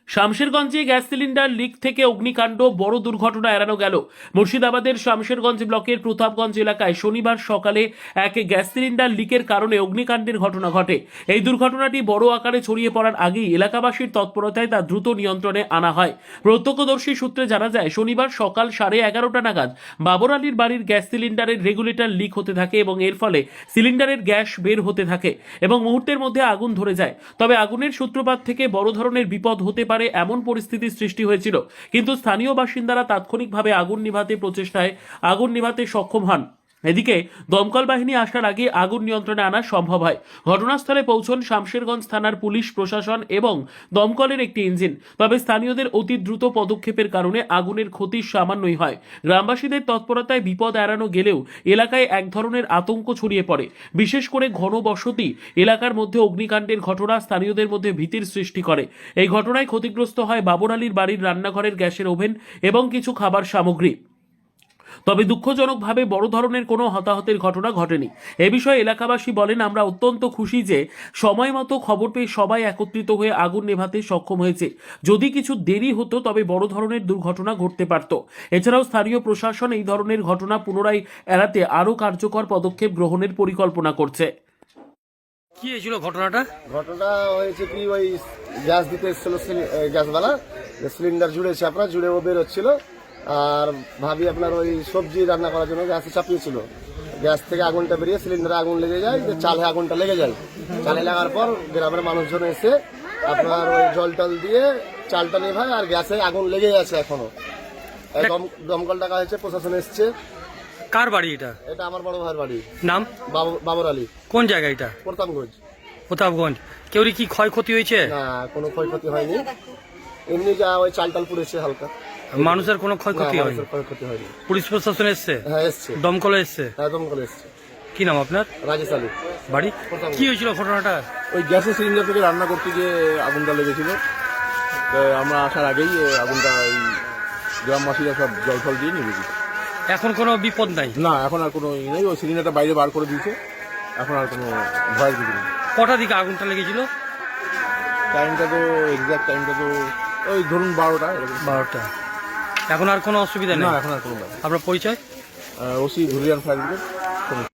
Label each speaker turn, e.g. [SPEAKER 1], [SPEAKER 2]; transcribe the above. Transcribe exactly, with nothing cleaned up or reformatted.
[SPEAKER 1] শামশেরগঞ্জে gas cylinder leak থেকে অগ্নিকাণ্ড, বড় দুর্ঘটনা এড়ানো গেল। মুর্শিদাবাদের শামশেরগঞ্জ ব্লকের প্রতাপগঞ্জ এলাকায় শনিবার সকালে এক গ্যাস সিলিন্ডার লিকের কারণে অগ্নিকাণ্ডের ঘটনা ঘটে। এই দুর্ঘটনাটি বড় আকারে ছড়িয়ে পড়ার আগেই এলাকাবাসীর তৎপরতায় তা দ্রুত নিয়ন্ত্রণে আনা হয়। প্রত্যক্ষদর্শী সূত্রে জানা যায়, শনিবার সকাল সাড়ে এগারোটা নাগাদ বাবর আলীর বাড়ির গ্যাস সিলিন্ডারের রেগুলেটর লিক হতে থাকে এবং এর ফলে সিলিন্ডারের গ্যাস বের হতে থাকে এবং মুহূর্তের মধ্যে আগুন ধরে যায়। তবে আগুনের সূত্রপাত থেকে বড় ধরনের বিপদ হতে পারে এমন পরিস্থিতির সৃষ্টি হয়েছিল, কিন্তু স্থানীয় বাসিন্দারা তাৎক্ষণিকভাবে আগুন নিভাতে প্রচেষ্টায় আগুন নিভাতে সক্ষম হন। এদিকে দমকল বাহিনী আসার আগে আগুন নিয়ন্ত্রণে আনা সম্ভব হয়। ঘটনাস্থলে পৌঁছন শামশেরগঞ্জ থানার পুলিশ প্রশাসন এবং দমকলের একটি ইঞ্জিন। তবে স্থানীয়দের অতি দ্রুত পদক্ষেপের কারণে আগুনের ক্ষতি সামান্যই হয়। গ্রামবাসীদের তৎপরতায় বিপদ এড়ানো গেলেও এলাকায় এক ধরনের আতঙ্ক ছড়িয়ে পড়ে। বিশেষ করে ঘনবসতি এলাকার মধ্যে অগ্নিকাণ্ডের ঘটনা স্থানীয়দের মধ্যে ভীতির সৃষ্টি করে। এই ঘটনায় ক্ষতিগ্রস্ত হয় বাবর আলীর বাড়ির রান্নাঘরের গ্যাসের ওভেন এবং কিছু খাবার সামগ্রী। তবে দুঃখজনকভাবে বড় ধরনের কোনো হতাহতের ঘটনা ঘটেনি। এ বিষয়ে এলাকাবাসী বলেন, আমরা অত্যন্ত খুশি যে সময় মতো খবর পেয়ে সবাই একত্রিত হয়ে আগুন নেভাতে সক্ষম হয়েছে। যদি কিছু দেরি হতো তবে বড় ধরনের দুর্ঘটনা ঘটতে পারত। এছাড়াও স্থানীয় প্রশাসন এই ধরনের ঘটনা পুনরায় এড়াতে আরও কার্যকর পদক্ষেপ গ্রহণের পরিকল্পনা করছে।
[SPEAKER 2] কি হয়েছিল ঘটনাটা?
[SPEAKER 3] ঘটনাটা হয়েছে কি, ওই গ্যাস দিতে এসেছিল গ্যাসওয়ালা, সিলিন্ডার জুড়েছে আপনার, জুড়ে ও বেরোচ্ছিল। আর ভাবি আপনার ওই সবজি রান্না করার জন্য গ্যাসে চাপিয়েছিল। গ্যাস থেকে আগুনটা বেরিয়ে সিলিন্ডারে আগুন লেগে যায়, যে চালে আগুনটা লেগে যায়। চালে লাগার পর গ্রামের মানুষজন এসে আপনার ওই জল টল দিয়ে চালটা নেভায়, আর গ্যাসে আগুন লেগে আছে এখনো। দম- দমকল টাকা হয়েছে, প্রশাসন এসছে।
[SPEAKER 2] কার বাড়ি এটা?
[SPEAKER 3] এটা আমার বড় ভাইয়ের বাড়ি,
[SPEAKER 2] নাম?
[SPEAKER 3] বাব- বাবর আলী,
[SPEAKER 2] কোন জায়গা এটা?
[SPEAKER 3] প্রতাপগঞ্জ।
[SPEAKER 2] প্রতাপগঞ্জ। কেউরি কি ক্ষয়ক্ষতি হয়েছে?
[SPEAKER 3] না, কোনো ক্ষয়ক্ষতি হয়নি, এমনি যা ওই চাল টাল পুড়েছে হালকা।
[SPEAKER 2] মানুষের কোনো
[SPEAKER 3] না,
[SPEAKER 2] ক্ষয়ক্ষতি হয়নি?
[SPEAKER 3] মানুষের ক্ষয়ক্ষতি হয়নি।
[SPEAKER 2] পুলিশ প্রশাসন এসছে?
[SPEAKER 3] হ্যাঁ এসছে,
[SPEAKER 2] দমকল এসছে?
[SPEAKER 3] হ্যাঁ দমকল এসছে।
[SPEAKER 2] কি নাম আপনার?
[SPEAKER 3] রাজেশ আলী।
[SPEAKER 2] বাড়ি? কি হয়েছিল ঘটনাটা?
[SPEAKER 4] ওই গ্যাসের সিলিন্ডার থেকে রান্না করতে গিয়ে আগুনটা লেগেছিল। তো আমরা আসার আগেই এ, আগুনটা ওই গ্রামবাসীরা সব জল ফল দিয়ে নিয়ে গেছে।
[SPEAKER 2] এখন কোনো বিপদ নাই?
[SPEAKER 4] না, এখন আর কোনো ই নেই, ওই সিলিন্ডারটা বাইরে বার করে দিয়েছে। এখন আর কোনো ভয়ের কিছু নেই।
[SPEAKER 2] কটা দিকে আগুনটা লেগেছিল?
[SPEAKER 4] টাইমটা তো এক্সাক্ট টাইমটা তো ওই ধরুন বারোটা এরকম।
[SPEAKER 2] বারোটা। এখন আর কোনো অসুবিধা
[SPEAKER 4] না,
[SPEAKER 2] নেই?
[SPEAKER 4] এখন আর কোনো ব্যাপার।
[SPEAKER 2] আপনার পরিচয়?
[SPEAKER 4] OC Dhulian fire brigade.